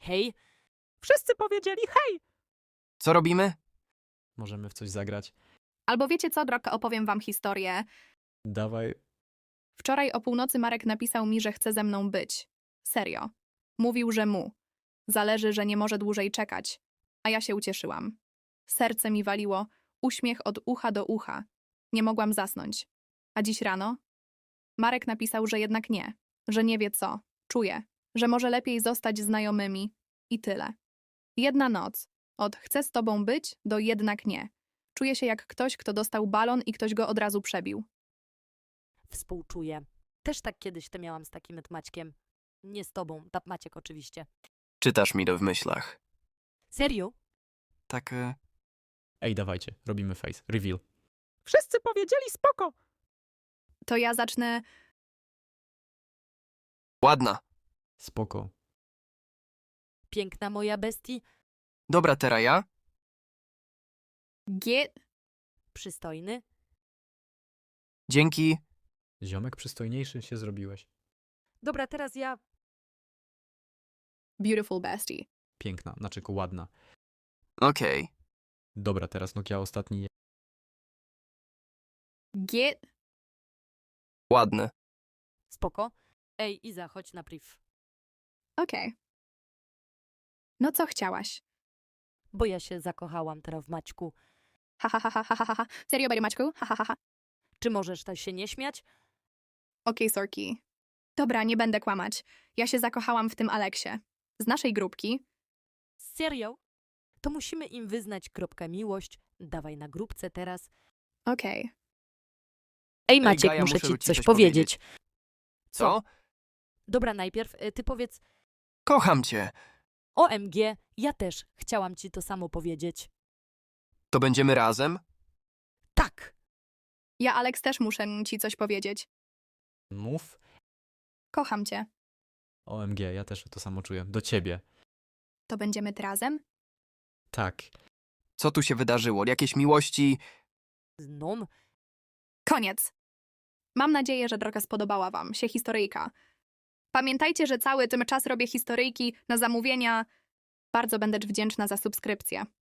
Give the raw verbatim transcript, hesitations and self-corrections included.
Hej, Wszyscy powiedzieli hej! Co robimy? Możemy w coś zagrać. Albo wiecie co, Drog, opowiem wam historię. Dawaj. Wczoraj o północy Marek napisał mi, że chce ze mną być. Serio. Mówił, że mu. Zależy, że nie może dłużej czekać. A ja się ucieszyłam. Serce mi waliło, uśmiech od ucha do ucha. Nie mogłam zasnąć. A dziś rano? Marek napisał, że jednak nie. Że nie wie co. Czuje, że może lepiej zostać znajomymi. I tyle. Jedna noc. Od chcę z tobą być do jednak nie. Czuję się jak ktoś, kto dostał balon i ktoś go od razu przebił. współczuję. Też tak kiedyś to miałam z takim Maćkiem. Nie z tobą, ta Maciek oczywiście. Czytasz mi to w myślach. Serio? Tak, e, Ej, dawajcie, robimy face. Reveal. Wszyscy powiedzieli spoko! To ja zacznę... ładna. Spoko. Piękna moja bestii, Dobra, teraz ja? Get... przystojny. Dzięki. Ziomek przystojniejszy się zrobiłeś. Dobra, teraz ja. Beautiful bestie. Piękna, znaczy ku ładna. Okej. Dobra, teraz Nokia ostatni. Get... Ładny. Spoko. Ej, Iza, chodź na priv. Okej. No co chciałaś? Bo ja się zakochałam teraz w Maćku. Ha, ha, ha, ha, ha, ha, ha. Serio, Barry Maćku? Ha, ha, ha, ha. Czy możesz tak się nie śmiać? Okej, Sorki. Dobra, nie będę kłamać. Ja się zakochałam w tym Aleksie. Z naszej grupki. Serio? To musimy im wyznać kropkę miłość. Dawaj na grupce teraz. Okej. Ej, Maciek, Gaja, muszę muszę ci ci coś coś powiedzieć. Co? Dobra, najpierw y, ty powiedz Kocham cię. O M G, ja też chciałam ci to samo powiedzieć. To będziemy razem? Tak! Ja, Aleks, też muszę ci coś powiedzieć. Mów. Kocham cię. O M G, ja też to samo czuję. Do ciebie. To będziemy razem? Tak. Co tu się wydarzyło? Jakieś miłości? Znom? Koniec. Mam nadzieję, że droga spodobała wam się historyjka. Pamiętajcie, że cały ten czas robię historyjki na zamówienia. Bardzo będę wdzięczna za subskrypcję.